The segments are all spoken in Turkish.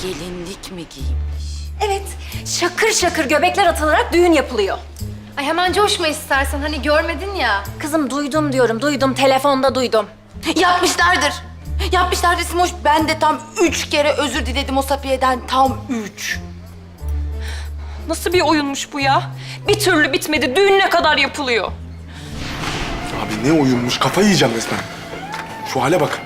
gelinlik mi giymiş? Evet, şakır şakır göbekler atılarak düğün yapılıyor. Ay hemen coşma istersen, hani görmedin ya. Kızım duydum diyorum, duydum. Telefonda duydum. Yapmışlardır. Yapmışlardır Simoş. Ben de tam 3 kere özür diledim o Safiye'den. Tam 3. Nasıl bir oyunmuş bu ya? Bir türlü bitmedi. Düğün ne kadar yapılıyor? Abi ne oyunmuş, kafayı yiyeceğim resmen. Şu hale bak.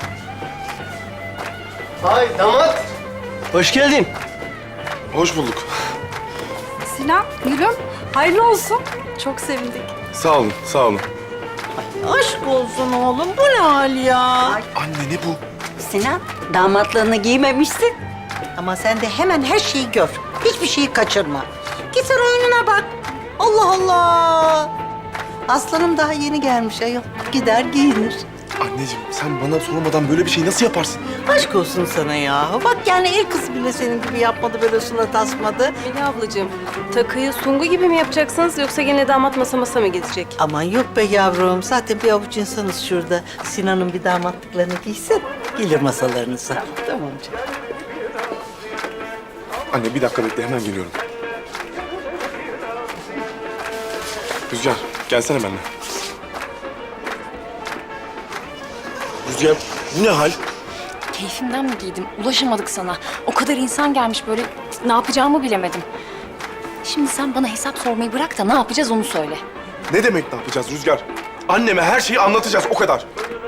Hay damat. Hoş geldin. Hoş bulduk. Sinan, gülüm. Hayırlı olsun. Çok sevindik. Sağ olun, sağ olun. Aşk olsun oğlum, bu ne hal ya? Anne ne bu? Sinan, damatlığını giymemişsin. Ama sen de hemen her şeyi gör. Hiçbir şeyi kaçırma. Git sen oyununa bak. Allah Allah. Aslanım daha yeni gelmiş ayol. Gider giyinir. Anneciğim sen bana sormadan böyle bir şey nasıl yaparsın? Aşk olsun sana ya. Bak yani el kız bile senin gibi yapmadı, böyle surat asmadı. Melih ablacığım, takıyı sungu gibi mi yapacaksınız yoksa gene damat masa mı gidecek? Aman yok be yavrum. Zaten bir avuç insanız şurada. Sinan'ın bir damatlıklarını giysin. Gelir masalarınıza. Tamam canım. Anne bir dakika bekle, hemen geliyorum. Rüzgar, gelsene benimle. Rüzgar, bu ne hal? Keyfimden mi giydim? Ulaşamadık sana. O kadar insan gelmiş böyle ne yapacağımı bilemedim. Şimdi sen bana hesap sormayı bırak da ne yapacağız onu söyle. Ne demek ne yapacağız Rüzgar? Anneme her şeyi anlatacağız, o kadar.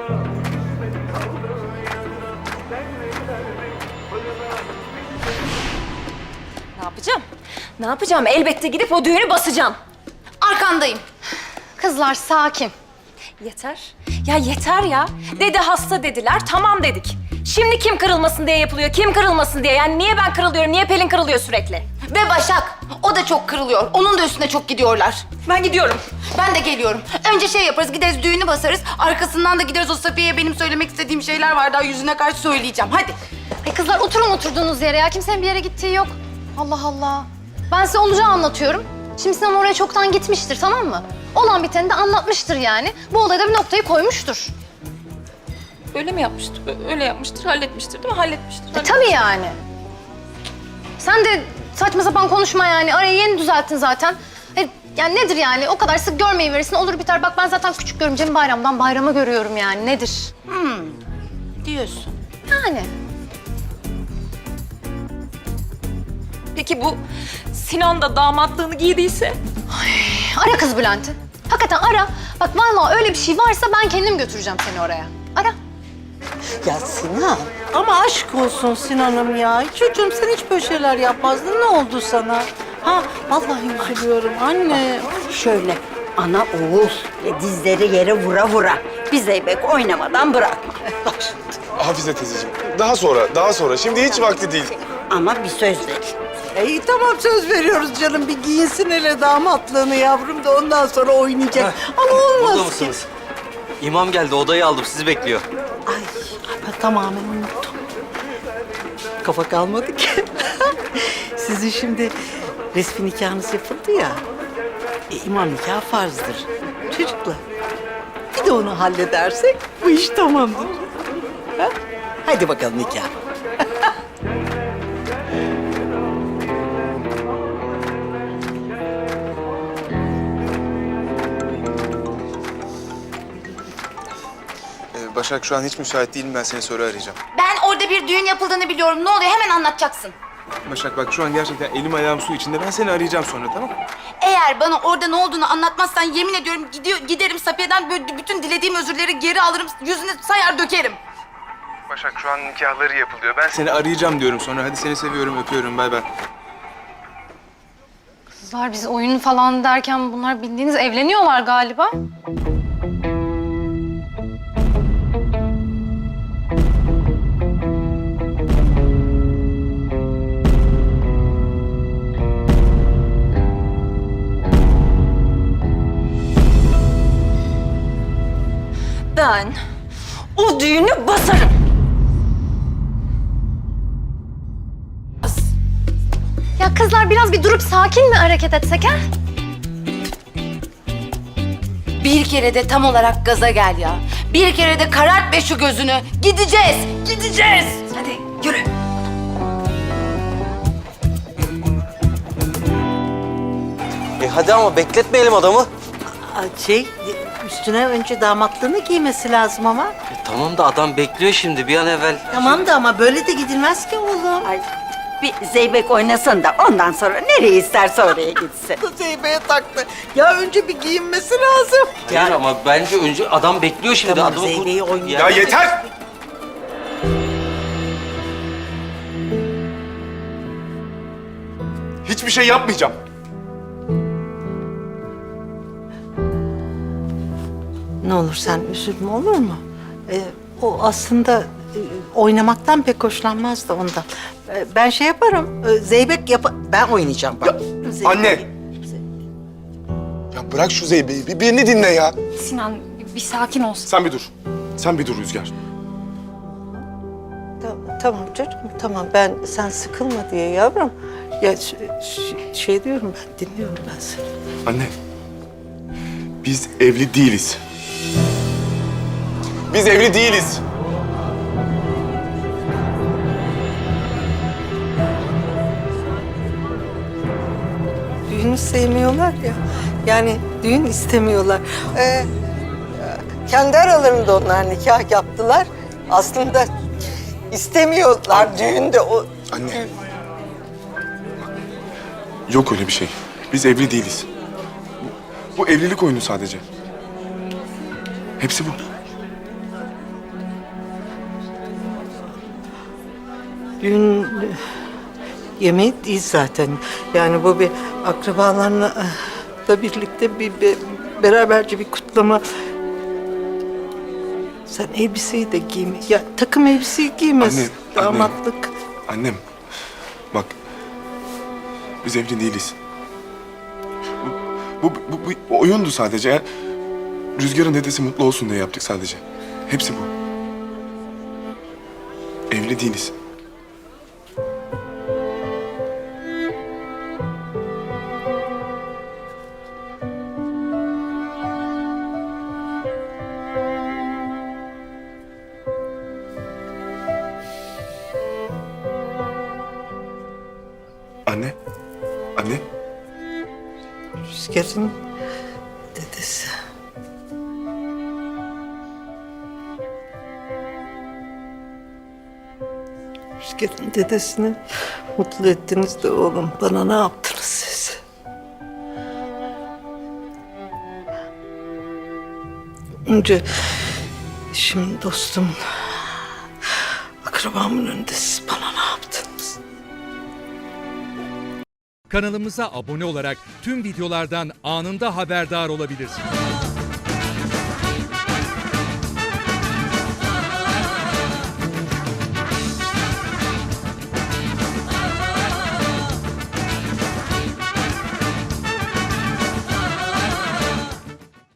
Ne yapacağım? Ne yapacağım? Elbette gidip o düğünü basacağım. Arkandayım. Kızlar sakin. Yeter. Ya yeter ya. Dede hasta dediler, tamam dedik. Şimdi kim kırılmasın diye yapılıyor, kim kırılmasın diye. Yani niye ben kırılıyorum, niye Pelin kırılıyor sürekli? Ve Başak. O da çok kırılıyor. Onun da üstüne çok gidiyorlar. Ben gidiyorum. Ben de geliyorum. Önce şey yaparız, gideriz düğünü basarız. Arkasından da gideriz o Safiye'ye benim söylemek istediğim şeyler var. Daha yüzüne karşı söyleyeceğim. Hadi. Ay kızlar oturun oturduğunuz yere ya. Kimsenin bir yere gittiği yok. Allah Allah. Ben size olacağı anlatıyorum. Şimdi Sinan oraya çoktan gitmiştir, tamam mı? Olan biteni de anlatmıştır yani. Bu olayda bir noktayı koymuştur. Öyle mi yapmıştır? Öyle yapmıştır, halletmiştir değil mi? Halletmiştir. Tabii yani. Sen de saçma sapan konuşma yani. Arayı yeni düzelttin zaten. Yani nedir yani? O kadar sık görmeyi verirsin, olur biter. Bak ben zaten küçük görümcemi bayramdan bayrama görüyorum yani. Nedir? Diyorsun. Yani. Peki bu Sinan da damatlığını giydiyse? Ara kız Bülent'i. Hakikaten ara. Bak vallahi öyle bir şey varsa ben kendim götüreceğim seni oraya. Ara. Ya Sinan, ama aşk olsun Sinan'ım ya. Çocuğum sen hiç böyle şeyler yapmazdın. Ne oldu sana? Ha, vallahi üzülüyorum anne. Şöyle ana oğul dizleri yere vura vura. Bir zeybek oynamadan bırakma. Bak şimdi. Hafize teyzeciğim, daha sonra. Şimdi hiç vakti değil. Ama bir söz ver. İyi tamam söz veriyoruz canım. Bir giyinsin hele damatlığını yavrum da ondan sonra oynayacak. Ama olmaz Burada ki. mısınız? İmam geldi, odayı aldım. Sizi bekliyor. Ay ben tamamen unuttum. Kafa kalmadı ki. Sizin şimdi resmi nikahınız yapıldı ya. İmam nikahı farzdır. Çocuklar. Bir de onu halledersek bu iş tamamdır. Ha? Hadi bakalım nikah. Başak şu an hiç müsait değilim, ben seni sonra arayacağım. Ben orada bir düğün yapıldığını biliyorum. Ne oluyor? Hemen anlatacaksın. Başak bak şu an gerçekten elim ayağım su içinde, ben seni arayacağım sonra, tamam mı? Eğer bana orada ne olduğunu anlatmazsan yemin ediyorum giderim Safiye'den böyle bütün dilediğim özürleri geri alırım. Yüzüne sayar dökerim. Başak şu an nikahları yapılıyor, ben seni arayacağım diyorum sonra. Hadi seni seviyorum, öpüyorum, bay bay. Kızlar biz oyun falan derken bunlar bildiğiniz evleniyorlar galiba. Ben o düğünü basarım. Ya kızlar biraz bir durup sakin mi hareket etsek ha? Bir kere de tam olarak gaza gel ya. Bir kere de karart be şu gözünü. Gideceğiz, gideceğiz. Hadi yürü. hadi ama bekletmeyelim adamı. Üstüne önce damatlığını giymesi lazım ama. Tamam da adam bekliyor şimdi bir an evvel. Tamam da ama böyle de gidilmez ki oğlum. Ay bir zeybek oynasın da ondan sonra nereye isterse oraya gitsin. Zeybek'e taktı. Ya önce bir giyinmesi lazım. Hayır ama bence önce adam bekliyor şimdi. Tamam, Adamı Zeybek'i oynayacak. Ya yeter! Hiçbir şey yapmayacağım. Ne olur sen üzülme, olur mu? O aslında oynamaktan pek hoşlanmaz da ondan. Ben şey yaparım, ben oynayacağım bak. Zeybek- Anne! Ya bırak şu Zeybe'yi, bir birini dinle ya. Sinan bir sakin olsun. Sen bir dur. Sen bir dur Rüzgar. Tamam çocuğum, tamam. Sen sıkılma diye yavrum. Ya şey diyorum ben, dinliyorum ben seni. Anne, biz evli değiliz. Biz evli değiliz. Düğünü sevmiyorlar ya. Yani düğün istemiyorlar. Kendi aralarında onlar nikah yaptılar. Aslında istemiyorlar düğünde o. Anne. Yok öyle bir şey. Biz evli değiliz. Bu evlilik oyunu sadece. Hepsi bu. Düğün yemeği değil zaten. Yani bu bir akrabalarla da birlikte bir beraberce bir kutlama. Sen elbiseyi de giyme. Ya takım elbiseyi giymez. Anne, Damatlık. Annem, bak. Biz evli değiliz. Bu oyundu sadece. Ya. Rüzgar'ın dedesi mutlu olsun diye yaptık sadece. Hepsi bu. Evli değiliz. Anne, anne. Rüzgar'ın dedesi. Rüzgar'ın dedesini mutlu ettiniz de oğlum. Bana ne yaptınız siz? Önce şimdi dostum, akrabamın önünde siz bana ne yaptınız? Kanalımıza abone olarak tüm videolardan anında haberdar olabilirsiniz.